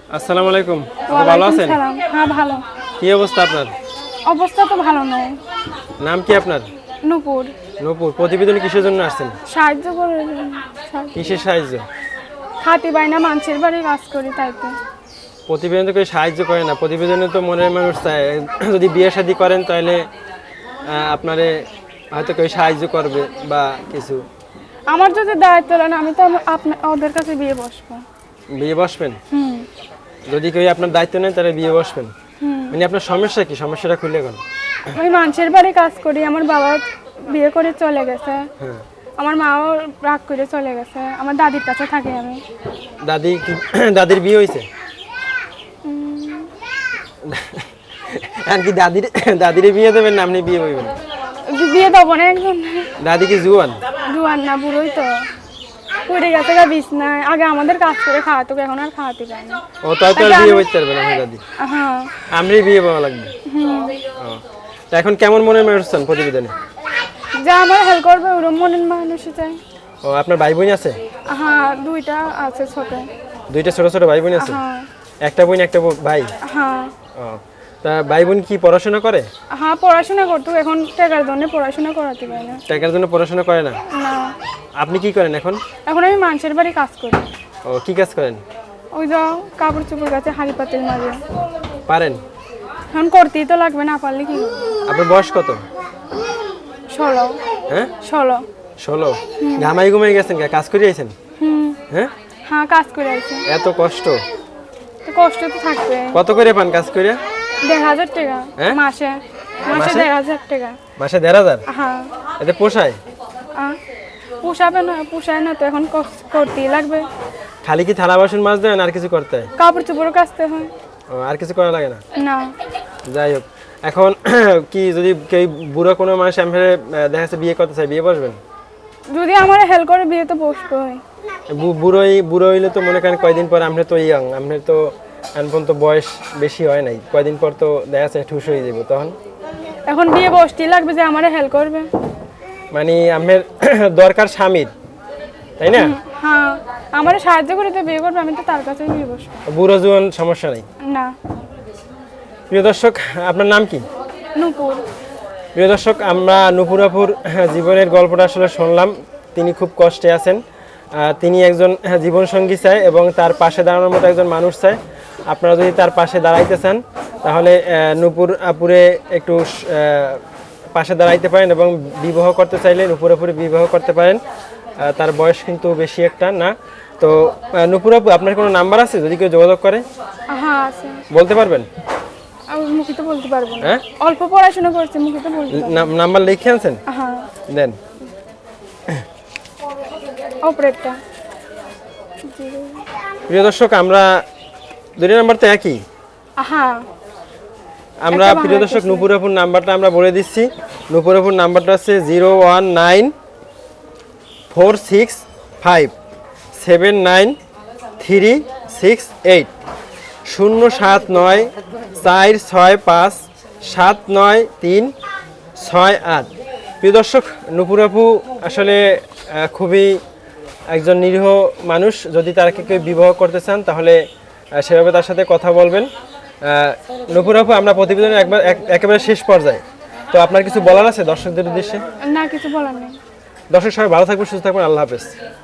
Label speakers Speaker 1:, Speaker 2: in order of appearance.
Speaker 1: আসসালামু আলাইকুম। ভালো
Speaker 2: ওয়ালাইকুম
Speaker 1: আছেন?
Speaker 2: সালাম। হ্যাঁ ভালো।
Speaker 1: কি অবস্থা আপনার?
Speaker 2: অবস্থা তো ভালো নয়।
Speaker 1: নাম কি আপনার?
Speaker 2: নূপুর।
Speaker 1: নূপুর। প্রতিবেদনে কিসের জন্য আসছেন?
Speaker 2: সাহায্য করে
Speaker 1: কিসের সাহায্য?
Speaker 2: খাতি বাইনা মানুষের বাড়ি কাজ করি তাইতে।
Speaker 1: প্রতিবেদন তো কেউ সাহায্য করে না। প্রতিবেদনে তো মনের মানুষ চায় যদি বিয়ে শাদী করেন তাহলে আপনারে হয়তো কেউ সাহায্য করবে বা কিছু।
Speaker 2: আমার যদি দায়িত্ব নেন আমি তো ওদের কাছে বিয়ে বসবো।
Speaker 1: বিয়ে বসবেন?
Speaker 2: হুম
Speaker 1: যদি কেউ আপনার দায়িত্ব নেন তাহলে বিয়ে বসবেন। মানে আপনার সমস্যা কি? সমস্যাটা খুলে গেল।
Speaker 2: আমি মানুষের বাড়ি কাজ করি, আমার বাবা বিয়ে করে চলে গেছে,
Speaker 1: হ্যাঁ।
Speaker 2: আমার মাও রাগ করে চলে গেছে, আমার দাদির কাছে থাকি আমি।
Speaker 1: দাদি কি দাদির বিয়ে হয়েছে? আর কি দাদির বিয়ে দেবেন না আপনি বিয়ে হইবেন?
Speaker 2: বিয়ে দেবো না একজন।
Speaker 1: দাদি কি জুয়ান?
Speaker 2: জুয়ান না, বুড়োই তো পড়ে গেছে বিছনায়। আগে আমাদের কাজ করে খাওয়াতো, এখন আর খাওয়াতে পারে না।
Speaker 1: ও তাই তো আর বিয়ে হইতে পারবে না আমার দাদি।
Speaker 2: হ্যাঁ।
Speaker 1: আমরাই বিয়ে পাওয়া লাগবে। ও তা এখন কেমন মনের মানুষ চান প্রতিবেদনে?
Speaker 2: যা আমার হেল্প করবে ওরম মনের মানুষ চাই।
Speaker 1: ও আপনার ভাই বোন আছে?
Speaker 2: হ্যাঁ দুইটা আছে ছোট।
Speaker 1: দুইটা ছোট ছোট ভাই বোন আছে?
Speaker 2: হ্যাঁ।
Speaker 1: একটা বোন একটা ভাই?
Speaker 2: হ্যাঁ।
Speaker 1: ও তা ভাই বোন কি পড়াশোনা করে?
Speaker 2: হ্যাঁ পড়াশোনা করতো, এখন টাকার জন্য পড়াশোনা করাতে পারে না।
Speaker 1: টাকার জন্য পড়াশোনা করে না?
Speaker 2: না।
Speaker 1: আপনি কি করেন এখন?
Speaker 2: এখন আমি মানুষের বাড়ি কাজ করি।
Speaker 1: ও কি কাজ করেন?
Speaker 2: ওই যে কাপড় চোপড় কাছে হাড়ি পাতিল মাঝে।
Speaker 1: পারেন?
Speaker 2: এখন করতেই তো লাগবে, না পারলে কি করবো।
Speaker 1: আপনার বয়স কত?
Speaker 2: 16।
Speaker 1: হ্যাঁ
Speaker 2: 16।
Speaker 1: 16? ঘামাই ঘুমাই গেছেন কাজ করে আইছেন? হ্যাঁ
Speaker 2: হ্যাঁ কাজ করে আছে।
Speaker 1: এত কষ্ট?
Speaker 2: তো কষ্ট তো থাকবে।
Speaker 1: কত করে পান কাজ করে?
Speaker 2: 1000 টাকা
Speaker 1: হ্যাঁ?
Speaker 2: মাসে।
Speaker 1: মাসে?
Speaker 2: 1000 টাকা।
Speaker 1: মাসে 1500?
Speaker 2: হ্যাঁ।
Speaker 1: এতে পোষায়?
Speaker 2: পোষাবে না, পোষায় না তো, এখন করতেই লাগবে।
Speaker 1: খালি কি থালা বাসন মাছ দেন আর কিছু করতে হয়?
Speaker 2: কাপড় চোপড় কাচতে হয়।
Speaker 1: ও আর কিছু করা লাগে না?
Speaker 2: না।
Speaker 1: যাই হোক এখন কি যদি কেউ বুড়ো কোনো মানুষ আমি দেখা যাচ্ছে বিয়ে করতে চাই, বিয়ে বসবেন?
Speaker 2: যদি আমার হেল্প করে বিয়ে তো বসতে হয়।
Speaker 1: বুড়ো হইলে তো মনে করেন কয়দিন পর আপনি তো ইয়াং, আপনার তো এখন তো বয়স বেশি হয় নাই, কয়দিন পর তো দেখা যাচ্ছে ঠুস হয়ে যাবো তখন।
Speaker 2: এখন বিয়ে বসতেই লাগবে যে আমার হেল্প করবে।
Speaker 1: মানে আপনার দরকার স্বামীর, তাই না?
Speaker 2: হ্যাঁ আমার সাহায্য করে তো বিয়ে করবে, আমি তো তার কাছেই বিয়ে বসবো।
Speaker 1: বুড়ো জোয়ান সমস্যা নাই।
Speaker 2: না।
Speaker 1: প্রিয় দর্শক আপনার নাম কি?
Speaker 2: নূপুর।
Speaker 1: প্রিয় দর্শক আমরা নূপুর আপুর জীবনের গল্পটা আসলে শুনলাম। তিনি খুব কষ্টে আছেন। তিনি একজন জীবনসঙ্গী চায় এবং তার পাশে দাঁড়ানোর মতো একজন মানুষ চায়। আপনারা যদি তার পাশে দাঁড়াইতে চান তাহলে নূপুর আপুরে একটু পাশে দাঁড়াইতে পারেন এবং বিবাহ করতে চাইলে নূপুর আপুরে বিবাহ করতে পারেন। তার বয়স কিন্তু বেশি একটা না। তো নূপুর আপু আপনার কোনো নাম্বার আছে যদি কেউ যোগাযোগ করে?
Speaker 2: হ্যাঁ আছে।
Speaker 1: বলতে পারবেন?
Speaker 2: আমি মুখে তো বলতে পারবো না।
Speaker 1: হ্যাঁ
Speaker 2: অল্প পড়াশোনা করছি, মুখে তো বলতে পারবো না।
Speaker 1: নাম্বার লিখে আনছেন?
Speaker 2: হ্যাঁ
Speaker 1: দেন।
Speaker 2: অপারেটরটা।
Speaker 1: প্রিয় দর্শক আমরা দুটো নাম্বার তো একই।
Speaker 2: হ্যাঁ
Speaker 1: আমরা
Speaker 2: একটা
Speaker 1: প্রিয় দর্শক
Speaker 2: বাংলা
Speaker 1: নূপুর আপুর নাম্বারটা আমরা বলে দিচ্ছি। নূপুর আপুর নাম্বারটা হচ্ছে 01945793368 07946579368। প্রিয় দর্শক নূপুর আপু আসলে খুবই একজন নিরীহ মানুষ। যদি তাকে কেউ বিবাহ করতে চান তাহলে সেভাবে তার সাথে কথা বলবেন। নূপুর আপু আমরা প্রতিবেদনের একেবারে শেষ পর্যায়ে, তো আপনার কিছু বলার আছে দর্শকদের উদ্দেশ্যে?
Speaker 2: না, কিছু বলার নেই।
Speaker 1: দর্শক সবাই ভালো থাকবেন, সুস্থ থাকবেন, আল্লাহ হাফেজ।